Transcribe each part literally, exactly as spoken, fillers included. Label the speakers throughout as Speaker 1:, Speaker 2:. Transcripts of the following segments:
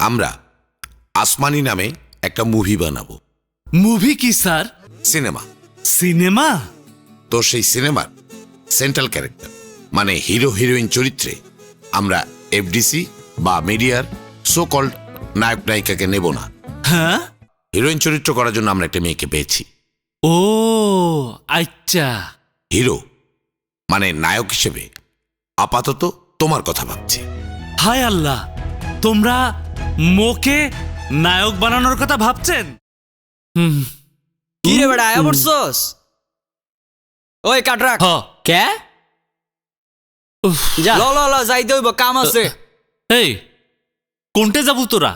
Speaker 1: আমরা আসমানি নামে একটা মুভি বানাবো।
Speaker 2: মুভি কি স্যার?
Speaker 1: সিনেমা।
Speaker 2: সিনেমা?
Speaker 1: তো সেই সিনেমার সেন্ট্রাল ক্যারেক্টার মানে হিরো হিরোইন চরিত্রে আমরা এফডিসি বা মিডিয়ার সো কল্ড নায়ক নায়িকাকে নেব না।
Speaker 2: হ্যাঁ,
Speaker 1: হিরোইন চরিত্র করার জন্য আমরা একটা মেয়েকে পেয়েছি।
Speaker 2: ও আচ্ছা।
Speaker 1: হিরো মানে নায়ক হিসেবে আপাতত তোমার কথা ভাবছি।
Speaker 2: হায় আল্লাহ, তোমরা মোকে নায়ক বানানোর কথা ভাবছেন? হুম,
Speaker 3: কি রে বেটা আয়া পড়ছস? ওই কাট রাখ।
Speaker 2: হ।
Speaker 3: কে?
Speaker 2: উফ,
Speaker 3: যা ল ল ল যাইতে হইব, কাম আছে।
Speaker 2: এই কোনটে যাবো তোরা?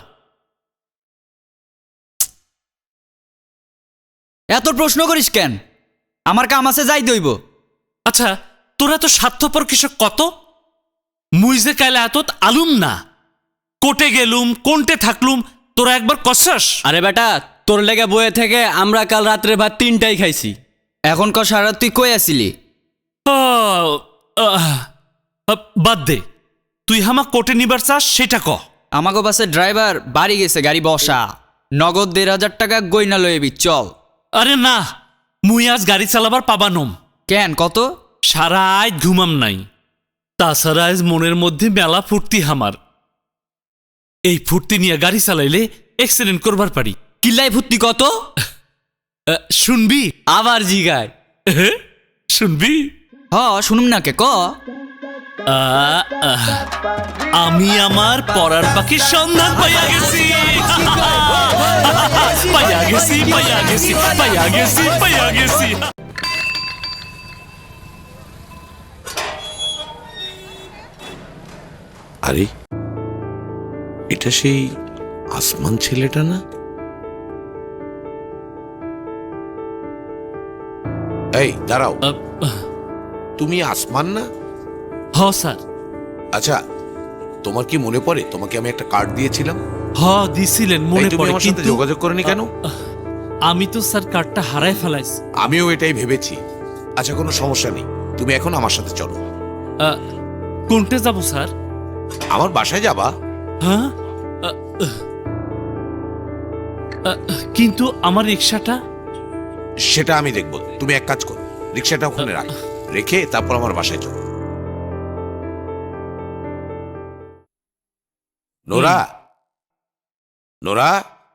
Speaker 3: এত প্রশ্ন করিস কেন? আমার কাম আছে, যাইতে হইব।
Speaker 2: আচ্ছা, তোরা তো স্বার্থপর কৃষক কত। মুই যে কাইলে এত আলুম না, কোটে গেলুম কোনটে থাকলুম, তোরা একবার কষাস?
Speaker 4: আরে বেটা, তোর লেগে বয়ে থেকে আমরা কাল রাত্রে ভাত তিনটাই খাইছি।
Speaker 3: এখন ক সারা তুই কই আসিলি?
Speaker 2: আহ, আহ, বাদ দে, তুই হামা কোটে নিবার চাস সেটা ক।
Speaker 3: আমাকে বাসের ড্রাইভার বাড়ি গেছে, গাড়ি বসা। নগদ দেড় হাজার টাকা গইনা লইবি, চল।
Speaker 2: আরে না, মুই আজ গাড়ি চালাবার পাবানম।
Speaker 3: কেন, কত?
Speaker 2: সারা আজ ঘুমাম নাই। তাছাড়া আজ মনের মধ্যে মেলা ফুর্তি হামার। এই ফুর্তি নিয়ে গাড়ি চালাইলে অ্যাক্সিডেন্ট করবার পারি।
Speaker 4: কিল্লাই ফুত্তি কত?
Speaker 2: আহ, শুনবি?
Speaker 4: আবার জিগায়।
Speaker 2: এহে, শুনবি?
Speaker 3: হ শুনুম না কে, ক।
Speaker 2: আহ, আহ, আমি আমার পড়ার পাখির সন্ধান পাইয়া গেছি। পাইয়া গেছি পাইয়া গেছি পাইয়া গেছি পাইয়া গেছি।
Speaker 1: আরে এটা সেই আসমান ছেলেটা না? এই দাঁড়াও,
Speaker 2: আহ, আহ,
Speaker 1: তুমি আসমান না?
Speaker 2: হ স্যার।
Speaker 1: আচ্ছা, তোমার কি মনে পড়ে তোমাকে আমি একটা কার্ড দিয়েছিলাম?
Speaker 2: হ দিছিলেন,
Speaker 1: এই
Speaker 2: মনে
Speaker 1: তুমি
Speaker 2: পড়ে,
Speaker 1: আমার সাথে
Speaker 2: কিন্তু
Speaker 1: যোগাযোগ করনি কেন?
Speaker 2: আমি তো স্যার কার্ডটা হারাই ফেলাইছি।
Speaker 1: আমিও এটাই ভেবেছি। আচ্ছা, কোনো সমস্যা নেই, তুমি এখন আমার সাথে চলো।
Speaker 2: আহ, কোনটে যাব স্যার?
Speaker 1: আমার বাসায় যাবা।
Speaker 2: হ্যাঁ, আহ, আহ, আহ, কিন্তু আমার রিক্সাটা?
Speaker 1: সেটা আমি দেখবো। তুমি এক কাজ করো, রিক্সাটা ওখানে রাখ, রেখে তারপর আমার বাসায় চলো। নোরা, নোরা,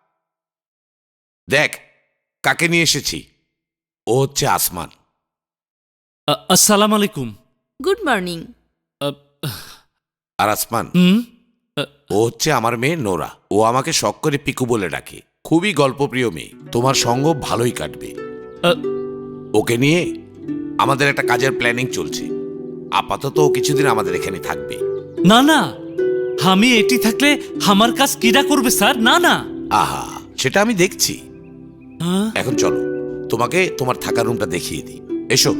Speaker 1: দেখ কাকে নিয়ে এসেছি। ও হচ্ছে আসমান।
Speaker 2: আহ, আসসালামু আলাইকুম।
Speaker 5: Good morning.
Speaker 2: আহ,
Speaker 1: আর আসমান,
Speaker 2: হুম,
Speaker 1: ও হচ্ছে আমার মেয়ে নোরা। ও আমাকে শখ করে পিকু বলে ডাকে। খুবই গল্পপ্রিয় মেয়ে, তোমার সঙ্গ ভালোই কাটবে।
Speaker 2: আহ,
Speaker 1: ওকে নিয়ে আমাদের একটা কাজের প্ল্যানিং চলছে। আপাতত ও কিছুদিন আমাদের এখানে থাকবে।
Speaker 2: না না, আমি এটি থাকলে আমার কাজ কিরা করবে স্যার? না না।
Speaker 1: আহা, সেটা আমি দেখছি।
Speaker 2: হ্যাঁ?
Speaker 1: এখন চলো, তোমাকে তোমার থাকার রুমটা দেখিয়ে দিই। এসো।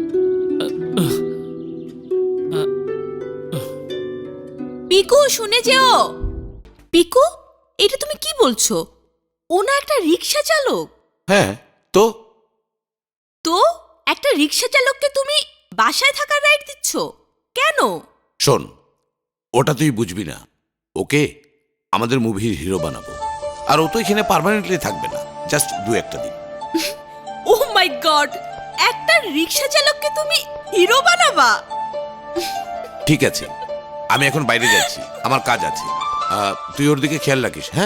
Speaker 5: পিকু শুনে যেও। পিকু, এটা তুমি কি বলছো? ও না একটা রিক্সা চালক।
Speaker 1: হ্যাঁ তো?
Speaker 5: তো একটা রিক্সা চালককে তুমি বাসায় থাকার রাইট দিচ্ছ কেন?
Speaker 1: শোন, ওটা তুই বুঝবি না। ওকে আমাদের মুভির হিরো বানাবো। আর ও তো এখানে পার্মানেন্টলি থাকবে না, জাস্ট দু একটা দিন।
Speaker 5: ও মাই গড, একটা রিক্সা চালককে তুমি হিরো বানাবা?
Speaker 1: ঠিক আছে, আমি এখন বাইরে যাচ্ছি, আমার কাজ আছে। আহ, তুই ওর দিকে খেয়াল রাখিস। হ্যাঁ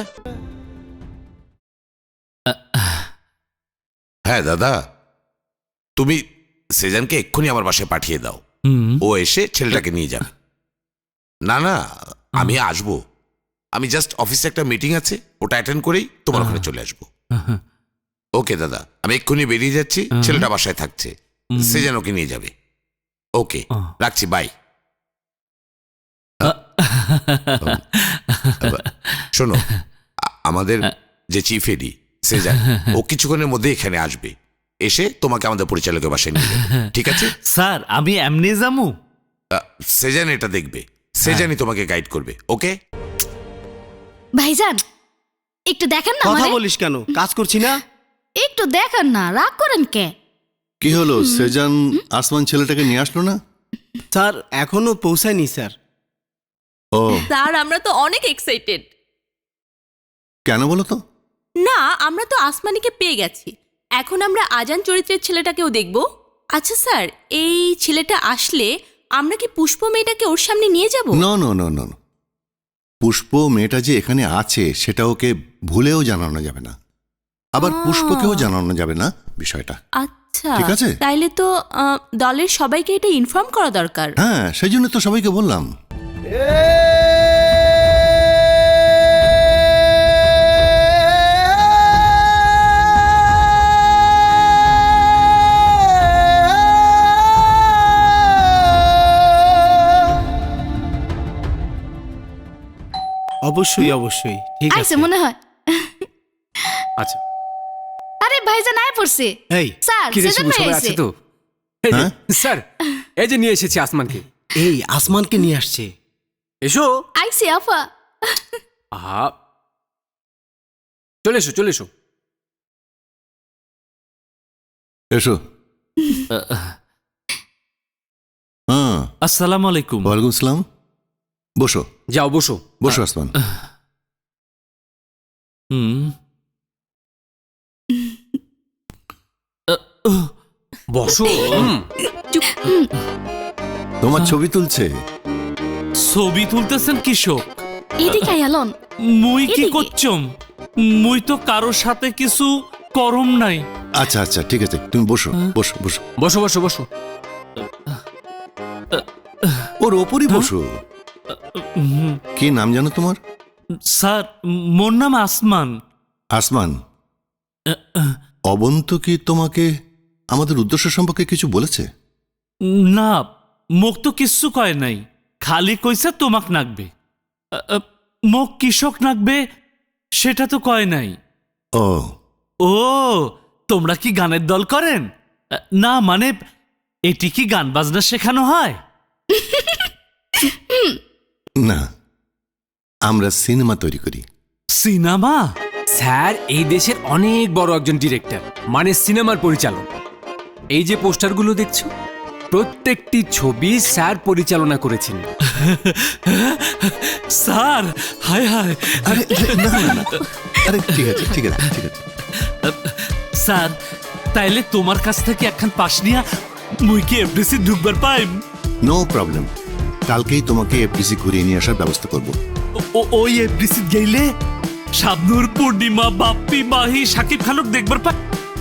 Speaker 1: হ্যাঁ দাদা, তুমি সেজানকে এক্ষুনি আমার বাসায় পাঠিয়ে দাও।
Speaker 2: হুম,
Speaker 1: ও এসে ছেলেটাকে নিয়ে যাবে। না না, আমি আসবো। আমি জাস্ট অফিসে একটা মিটিং আছে, ওটা অ্যাটেন্ড করেই তোমার ওখানে চলে আসবো। ওকে দাদা, আমি এক্ষুনি বেরিয়ে যাচ্ছি। ছেলেটা বাসায় থাকছে, সেজান ওকে নিয়ে যাবে। ওকে, রাখছি, বাই। শোনো, আ- আমাদের যে চিফ এডি সেজান, ও কিছুক্ষণের মধ্যে এখানে আসবে। এসে তোমাকে আমাদের পরিচালকের বাসায় নিয়ে যাবে, ঠিক আছে?
Speaker 2: স্যার আমি এমনি যামু?
Speaker 1: আ, সেজান এটা দেখবে, সেজানই তোমাকে গাইড করবে। ওকে
Speaker 6: ভাইজান একটু দেখেন না
Speaker 7: কথা
Speaker 6: আমারে।
Speaker 7: বলিস কেন? কাজ করছি না?
Speaker 6: একটু দেখেন না, রাগ করেন কে?
Speaker 8: কি হলো, সেজান আসমান ছেলেটাকে নিয়ে আসলো না?
Speaker 7: স্যার এখনো পৌঁছায়নি স্যার।
Speaker 8: ও
Speaker 5: স্যার আমরা তো অনেক এক্সাইটেড।
Speaker 8: কেন বলো তো?
Speaker 5: না, আমরা তো আসমানিকে পেয়ে গেছি, এখন আমরা আজান চরিত্রের ছেলেটাকেও দেখব। আচ্ছা স্যার, এই ছেলেটা আসলে আমরা কি পুষ্প মেয়েটাকে ওর সামনে নিয়ে যাব?
Speaker 8: No no no no Pushpa মেয়েটা যে এখানে আছে সেটা ওকে ভুলেও জানানো যাবে না, আবার পুষ্পকেও জানানো যাবে না বিষয়টা।
Speaker 5: আচ্ছা,
Speaker 8: ঠিক আছে।
Speaker 5: তাইলে তো আহ, দলের সবাইকে এটা ইনফর্ম করা দরকার।
Speaker 8: হ্যাঁ, সেই জন্য তো সবাইকে বললাম।
Speaker 7: অবশ্যই অবশ্যই ঠিক
Speaker 6: আইছে
Speaker 7: আছে।
Speaker 6: মনে হয়।
Speaker 7: আচ্ছা,
Speaker 6: আরে ভাইজান আয় পড়ছে।
Speaker 7: এই
Speaker 6: স্যার
Speaker 9: কি রে
Speaker 6: সেজন
Speaker 9: শুভ,
Speaker 6: ভাই
Speaker 9: সবাই
Speaker 6: আইছে।
Speaker 9: আছে তো? এই যে,
Speaker 8: হ্যাঁ?
Speaker 9: স্যার এই যে নিয়ে এসেছি আসমানকে।
Speaker 7: এই আসমানকে নিয়ে আসছে।
Speaker 9: এসো।
Speaker 6: আইছে আফা।
Speaker 9: আহা, চলে এসো চলে এসো।
Speaker 8: এসো। হ্যাঁ,
Speaker 2: আসসালামু আলাইকুম।
Speaker 8: ওয়ালাইকুম আসসালাম। বসো
Speaker 9: যাও বসো
Speaker 8: বসো আসমান।
Speaker 2: হুম।
Speaker 9: বসো। হুম।
Speaker 8: তোমার ছবি তুলছে।
Speaker 2: ছবি তুলতেছেন কৃষক?
Speaker 6: এদিকে আয়ালন।
Speaker 2: মুই কি
Speaker 6: এদিকে।
Speaker 2: করছম? মুই তো কারোর সাথে কিছু করম নাই।
Speaker 8: আচ্ছা আচ্ছা ঠিক আছে, তুমি বসো বসো বসো।
Speaker 9: বসো বসো বসো।
Speaker 8: ওর ওপরই বসো।
Speaker 2: হুম,
Speaker 8: কি নাম জানো তোমার?
Speaker 2: স্যার মোর নাম আসমান।
Speaker 8: আসমান। অবন্ত কি তোমাকে আমাদের উদ্দেশ্য সম্পর্কে কিছু বলেছে?
Speaker 2: না, মোক তো কিচ্ছু কয় নাই, খালি কইছে তোমাক নাকবে। আ, আ, মোক কৃষক নাকবে সেটা তো কয় নাই।
Speaker 8: ও
Speaker 2: ও, তোমরা কি গানের দল করেন? আ, না মানে এটি কি গান বাজনা শেখানো হয়?
Speaker 8: না, আমরা সিনেমা তৈরি করি।
Speaker 2: সিনেমা?
Speaker 9: স্যার এই দেশের অনেক বড় একজন ডিরেক্টর, মানে সিনেমার পরিচালক। এই যে পোস্টারগুলো দেখছো, প্রত্যেকটি ছবি স্যার পরিচালনা করেছেন।
Speaker 2: স্যার, হায় হায়।
Speaker 8: আরে না না না, আরে ঠিক আছে ঠিক আছে ঠিক আছে।
Speaker 2: স্যার, তাইলে তোমার কাছ থেকে একখান পাশ নিয়া মুই কি এফডিসি ঢুকবার পাইম?
Speaker 8: নো প্রবলেম, কালকেই তোমাকে এফডিসি ঘুরিয়ে নিয়ে আসার ব্যবস্থা করব।
Speaker 2: ও- ও- ওই এফডিসি গেইলে শাবনূর, পূর্ণিমা, বাপ্পি, মাহি, সাকিব খানক দেখবার পাই।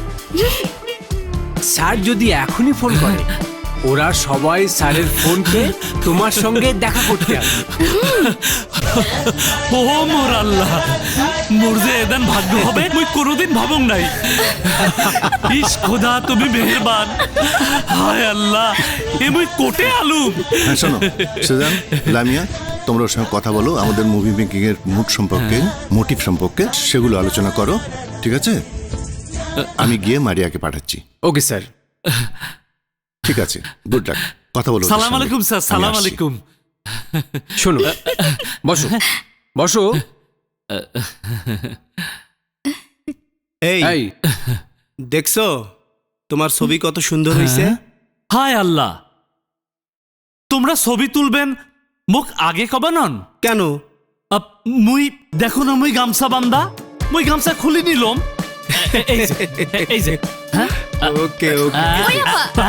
Speaker 9: স্যার যদি এখনই ফোন করে, ওরা সবাই স্যারের ফোনকে তোমার সঙ্গে দেখা করতে আসবে।
Speaker 2: ও মোর আল্লাহ, মোর যে এদান ভাগ্য হবে মুই কোনোদিন ভাবং নাই। ইস খোদা, তুমি মেহেরবান। হায় আল্লাহ, এ মুই কোটে আলুম।
Speaker 8: হ্যাঁ শোনো, সেজান, লামিয়া, তোমরা ওর সঙ্গে কথা বলো আমাদের মুভি মেকিং এর মুড সম্পর্কে, মোটিভ সম্পর্কে, সেগুলো আলোচনা করো, ঠিক আছে? আমি গিয়ে মারিয়াকে পাঠাচ্ছি।
Speaker 9: Okay sir.
Speaker 8: ঠিক আছে, গুড লাক। কথা বলো ওদের
Speaker 2: সালাম
Speaker 8: সঙ্গে।
Speaker 2: আলাইকুম স্যার,
Speaker 8: আমি
Speaker 2: সালাম
Speaker 8: আসছি।
Speaker 2: আলাইকুম।
Speaker 9: শোনো, বসো বসো।
Speaker 7: এই
Speaker 9: এই
Speaker 7: দেখছো তোমার ছবি কত সুন্দর হয়েছে?
Speaker 2: হায় আল্লাহ, তোমরা ছবি তুলবেন মোক আগে কবা নন?
Speaker 7: কেন?
Speaker 2: আপ, মুই দেখো না, মুই গামছা বান্দা, মুই গামছা খুলি নিলম। এ- এই যে, এ- এই যে, হ্যাঁ?
Speaker 7: ওকে ওকে।
Speaker 6: ওই আপা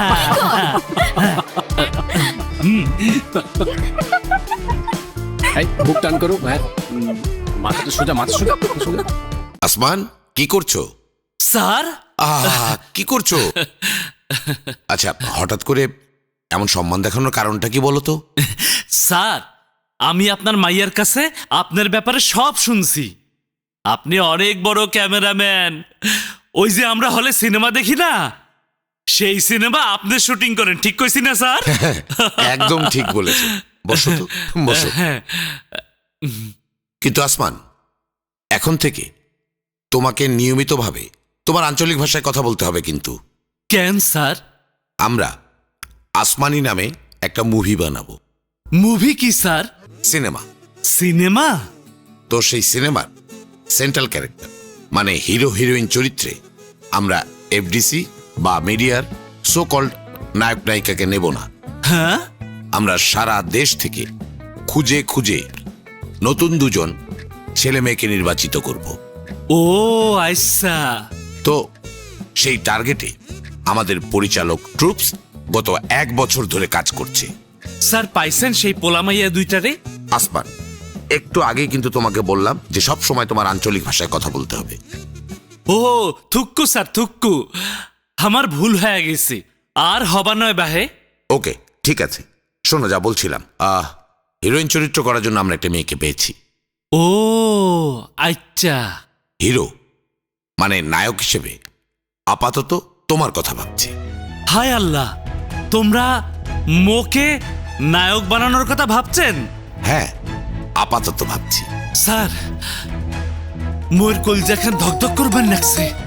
Speaker 9: এই বুক টান করো। হ্যাঁ, উম, মাথাটা সোজা, মাথা সোজা, মাথা সোজা।
Speaker 1: আসমান, কি করছো?
Speaker 2: স্যার,
Speaker 1: আহ কি করছো? আচ্ছা, হঠাৎ করে এমন সম্মান দেখানোর কারণটা কি বলো তো?
Speaker 2: স্যার, আমি আপনার মাইয়ার কাছে আপনার ব্যাপারে সব শুনছি। আপনি অনেক বড় ক্যামেরাম্যান। ওই যে আমরা হলে সিনেমা দেখি না, সেই সিনেমা আপনি শুটিং করেন, ঠিক কইছি না স্যার?
Speaker 1: একদম ঠিক বলেছো। বসো তো, বসো।
Speaker 2: হ্যাঁ।
Speaker 1: কিন্তু আসমান, এখন থেকে তোমাকে নিয়মিতভাবে তোমার আঞ্চলিক ভাষায় কথা বলতে হবে কিন্তু।
Speaker 2: কেন স্যার?
Speaker 1: আমরা আসমানি নামে একটা মুভি বানাবো।
Speaker 2: মুভি কি স্যার?
Speaker 1: সিনেমা।
Speaker 2: সিনেমা?
Speaker 1: তো সেই সিনেমার সেন্ট্রাল ক্যারেক্টার মানে হিরো হিরোইন চরিত্রে আমরা এফডিসি বা মিডিয়ার সো কল্ড নায়ক নায়িকাকে নেব না।
Speaker 2: হ্যাঁ?
Speaker 1: আমরা সারা দেশ থেকে খুঁজে খুঁজে নতুন দুজন ছেলে মেয়েকে নির্বাচিত করব।
Speaker 2: ও আচ্ছা।
Speaker 1: তো সেই টার্গেটে আমাদের পরিচালক ট্রুপস গত এক বছর ধরে কাজ করছে।
Speaker 2: স্যার পাইছেন সেই পোলামাইয়া দুইটারে?
Speaker 1: আসমান, একটু আগে কিন্তু তোমাকে বললাম যে সব সময় তোমার আঞ্চলিক ভাষায় কথা বলতে হবে।
Speaker 2: ও থুক্কু স্যার থুক্কু, আমার ভুল হয়ে গেছে, আর হবা নয় বাহে।
Speaker 1: ওকে ঠিক আছে, শোনো যা বলছিলাম, আহ হিরোইন চরিত্র করার জন্য আমরা একটা মেয়েকে পেয়েছি।
Speaker 2: ও আচ্ছা।
Speaker 1: হিরো মানে নায়ক হিসেবে আপাতত তোমার কথা ভাবছি।
Speaker 2: হায় আল্লাহ, তোমরা মোকে নায়ক বানানোর কথা ভাবছেন?
Speaker 1: হ্যাঁ, আপাতত ভাবছি।
Speaker 2: স্যার মোর কলজাখান ধকধক করবেন লাগছে।